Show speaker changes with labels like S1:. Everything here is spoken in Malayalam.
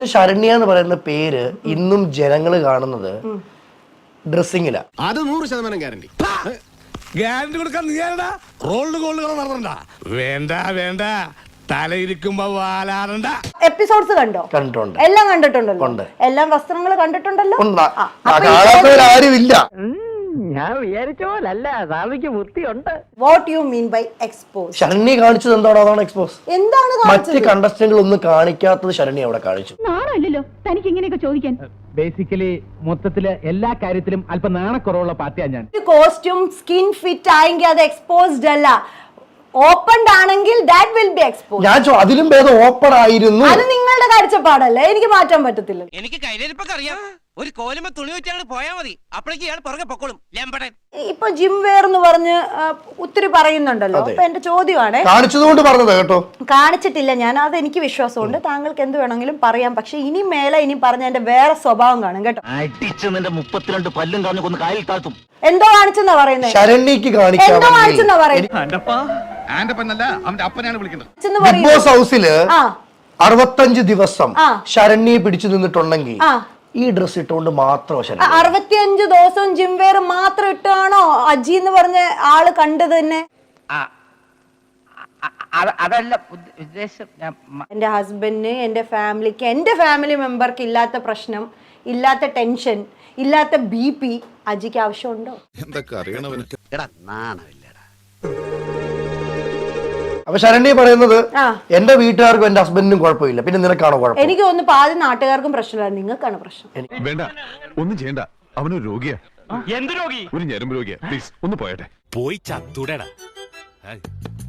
S1: ശരണ്യ എന്ന് പറയുന്ന പേര് ഇന്നും ജനങ്ങൾ കാണുന്നത് ഡ്രസ്സിങ്ങിലാ.
S2: അത് 100% ഗ്യാരണ്ടി. ഗ്യാരണ്ടി കൊടുക്കാൻ നീ ആരടാ? റോൾഡ് ഗോൾഡുകൾ നടത്തണ്ട. വേണ്ട വേണ്ട, തലയിരിക്കുമ്പോ വാലാറണ്ട.
S3: എപ്പിസോഡ്സ് കണ്ടിട്ടുണ്ട്, എല്ലാം കണ്ടിട്ടുണ്ടല്ലോ, എല്ലാം വസ്ത്രങ്ങൾ കണ്ടിട്ടുണ്ടല്ലോ.
S1: ആരുമില്ല.
S4: ഞാൻ വിചാരിച്ച പോലല്ല, സ്വാമിക്ക് ബുദ്ധിയുണ്ട്.
S3: What you mean by expose?
S1: Saranya കാണിച്ചത് എന്താണോ അതാണ് എക്സ്പോസ്.
S3: എന്താണ്
S1: മറ്റ് കണ്ടസ്റ്റന്റുകൾ ഒന്നും കാണിക്കാത്തത് ശരണ്യ അവിടെ കാണിച്ചു.
S5: നാണല്ലോ തനിക്ക് ഇങ്ങനെയൊക്കെ ചോദിക്കാൻ.
S4: ബേസിക്കലി മൊത്തത്തില് എല്ലാ കാര്യത്തിലും അല്പം നാണക്കുറവുള്ള പാർട്ടിയാണ് ഞാൻ.
S3: കോസ്റ്റ്യൂം സ്കിൻ ഫിറ്റ് ആയെങ്കിൽ അത് എക്സ്പോസ്ഡ് അല്ല, ഓപ്പൺഡ് ആണെങ്കിൽ ദാറ്റ് വിൽ ബി എക്സ്പോസ്ഡ്.
S1: ഞാൻ അതിലും ഭേദം ഓപ്പൺ ആയിരുന്നു.
S3: അത് നിങ്ങളുടെ കാഴ്ചപ്പാടല്ലേ, എനിക്ക് മാറ്റാൻ പറ്റത്തില്ല.
S6: എനിക്ക് കയ്യിലിരിപ്പൊക്കെ അറിയാം. ഒരു കോലുമ തുണി വെച്ചാണ് പോയാൽ മതി, അപ്പോഴേക്ക് ഇയാൾ പുറകെ പൊക്കോളും. ലംബടൻ
S3: ഇപ്പൊ ജിം വെയർ എന്ന് പറഞ്ഞ് ഒത്തിരി പറയുന്നുണ്ടല്ലോ. അപ്പൊ എന്റെ ചോദ്യമാണ്,
S1: കാണിച്ചതുകൊണ്ട് പറഞ്ഞത് കേട്ടോ.
S3: കാണിച്ചിട്ടില്ല ഞാൻ, അത് എനിക്ക് വിശ്വാസമുണ്ട്. താങ്കൾക്ക് എന്ത് വേണമെങ്കിലും പറയാം, പക്ഷെ ഇനി മേലെ ഇനി പറഞ്ഞ എന്റെ വേറെ സ്വഭാവം കാണും കേട്ടോ.
S4: അടിച്ചതിന്റെ 32 പല്ലും കളഞ്ഞു കൊന്ന് കാലിൽ താഴ്ത്തും.
S3: എന്തോ കാണിച്ചെന്നാ പറയുന്നത്.
S1: ശരണ്യക്ക്
S3: എന്തോ കാണിച്ചെന്നാ പറയുന്നത്.
S1: ബിഗ് ബോസ് ഹൗസില് 65 ദിവസം ശരണ്യെ പിടിച്ചു നിന്നിട്ടുണ്ടെങ്കിൽ ഈ ഡ്രസ് ഇട്ടുകൊണ്ട് മാത്രം
S3: 65 ദിവസവും ജിം വെയർ മാത്രം ഇട്ടാണോ അജി എന്ന് പറഞ്ഞ ആള് കണ്ടത് തന്നെ?
S4: അതല്ല ഉദ്ദേശം.
S3: എന്റെ ഹസ്ബൻഡിന്, എന്റെ ഫാമിലിക്ക്, എന്റെ ഫാമിലി മെമ്പർക്ക് ഇല്ലാത്ത പ്രശ്നം, ഇല്ലാത്ത ടെൻഷൻ, ഇല്ലാത്ത BP അജിക്ക് ആവശ്യമുണ്ടോ?
S2: എന്തൊക്കെ അറിയണവന്.
S1: അപ്പൊ ശരണ്യ പറയുന്നത് എന്റെ വീട്ടുകാർക്കും എന്റെ ഹസ്ബൻഡിനും കുഴപ്പമില്ല, പിന്നെ നിനക്കാണോ കുഴപ്പം?
S3: എനിക്ക് തോന്നുന്നു പാതി നാട്ടുകാർക്കും പ്രശ്നമില്ല, നിങ്ങൾക്കാണ് പ്രശ്നം.
S2: വേണ്ട, ഒന്നും ചെയ്യണ്ട. അവനൊരു രോഗിയാ. എന്ത് രോഗി? ഒരു ഞരമ്പ് രോഗിയാ. പ്ലീസ് ഒന്ന് പോയട്ടെ. പോയി ചത്തുടടാ.